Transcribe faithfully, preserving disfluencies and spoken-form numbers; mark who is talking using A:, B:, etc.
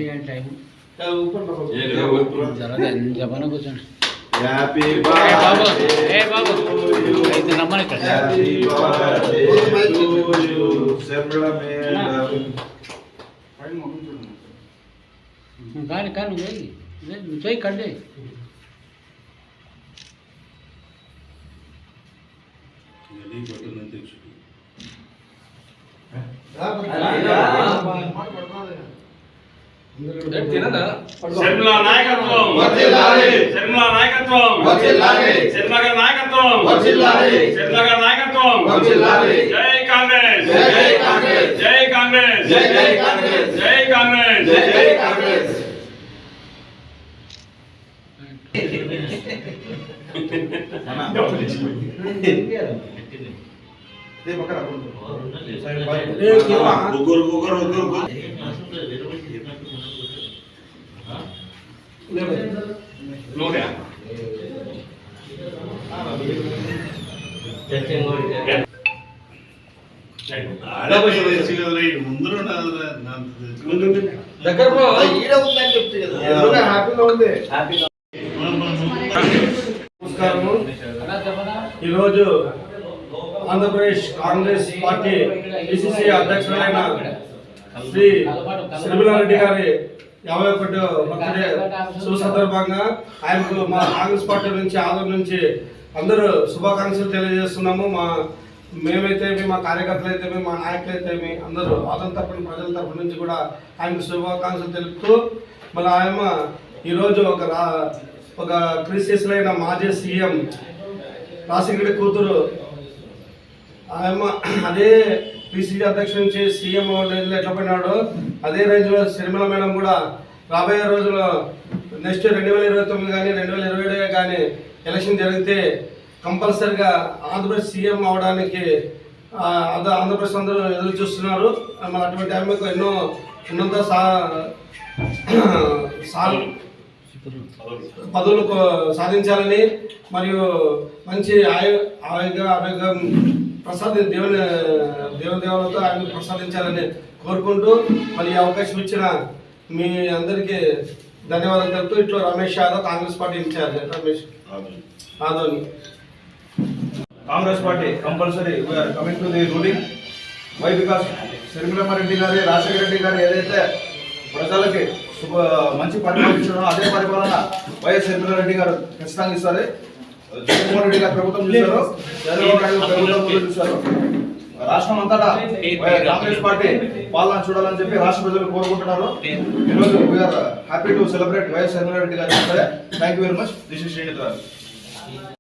A: Time
B: ऊपर
A: जरा जमाना कुछ
B: हैप्पी
A: बर्थडे ए बाबू అయితే నమ్మని ఇక్కడ
B: హ్యాపీ బర్త్డే టు యు సెమ్ల మేడం
A: కాని కాని వేయి నువ్వు చేయి కడ్డే
B: గలి బటన్ తెచ్చు
C: శర్మిల నాయకత్వం వర్ధిల్లాలి శర్మిల నాయకత్వం వర్ధిల్లాలి శర్మిల నాయకత్వం వర్ధిల్లాలి శర్మిల నాయకత్వం వర్ధిల్లాలి జై కాంగ్రెస్ జై కాంగ్రెస్ జై కాంగ్రెస్ జై కాంగ్రెస్ జై కాంగ్రెస్ జై కాంగ్రెస్
B: दे बकरा ए केवा गुगर गुगर गुगर ले लो रे
C: चेकिंग हो
B: ఆడ పోయి సిగదలై ముందున ముందు
C: దగ్గర పో
B: ఈడ ఉందని చెప్తే కదా ఎదురుగా హ్యాపీగా ఉంది హ్యాపీగా
D: నమస్కారం ఈ రోజు ఆంధ్రప్రదేశ్ కాంగ్రెస్ పార్టీ పిసిసి అధ్యక్షులైన శ్రీ శర్మిలారెడ్డి గారి యాభై ఒకటో బర్త్డే శుభ సందర్భంగా ఆయనకు మా కాంగ్రెస్ పార్టీ నుంచి ఆంధ్ర నుంచి అందరూ శుభాకాంక్షలు తెలియజేస్తున్నాము. మా మేమైతే మా కార్యకర్తలు అయితే మా నాయకులు అయితే అందరూ ఆంధ్ర తరపున ప్రజల తరపు నుంచి కూడా ఆయనకు శుభాకాంక్షలు తెలుపుతూ మళ్ళీ ఆయన ఈరోజు ఒక రా ఒక క్రిస్టియన్లైన మాజీ సీఎం రాజశేఖర కూతురు ఆయన అదే పిసిసి అధ్యక్షుడి నుంచి సీఎం రేంజ్లో ఎట్లా పోయినాడో అదే రేంజ్లో శర్మిల మేడం కూడా రాబోయే రోజుల్లో నెక్స్ట్ రెండు వేల ఇరవై తొమ్మిది కానీ రెండు వేల ఇరవై ఏడు కానీ ఎలక్షన్ జరిగితే కంపల్సరిగా ఆంధ్రప్రదేశ్ సీఎం అవడానికి ఆంధ్రప్రదేశ్ అందరూ ఎదురు చూస్తున్నారు. మన అటువంటి ఆమెకు ఎన్నో ఉన్నత సా పదవులు సాధించాలని మరియు మంచి ఆయు ఆరోగ్య ఆరోగ్యం ప్రసాద దేవుని దేవదేవులతో ఆయన ప్రసాదించాలని కోరుకుంటూ మరి ఈ అవకాశం ఇచ్చిన మీ అందరికీ ధన్యవాదాలు తెలుపుతూ ఇట్లా Ramesh Yadav Congress party incharge Ramesh Adoni.
B: Congress party compulsory we're coming to the ruling why because Sharmilamma Reddy గారి రాజశేఖర రెడ్డి గారు ఏదైతే ప్రజలకి శుభ మంచి పరిపాలన ఇచ్చారో అదే పరిపాలన వైఎస్ శర్మిలారెడ్డి గారు ఖచ్చితంగా ఇస్తారు. జగన్మోహన్ రెడ్డి గారు ప్రభుత్వం చూశారు, చంద్రబాబు నాయుడు ప్రభుత్వం చూశారు. రాష్ట్రం అంతటా కాంగ్రెస్ పార్టీ పాలన చూడాలని చెప్పి రాష్ట్ర ప్రజలు కోరుకుంటున్నారు. ఈరోజు we're happy to celebrate YS Sharmila Reddy గారు. Thank you very much. This is Srinidhi.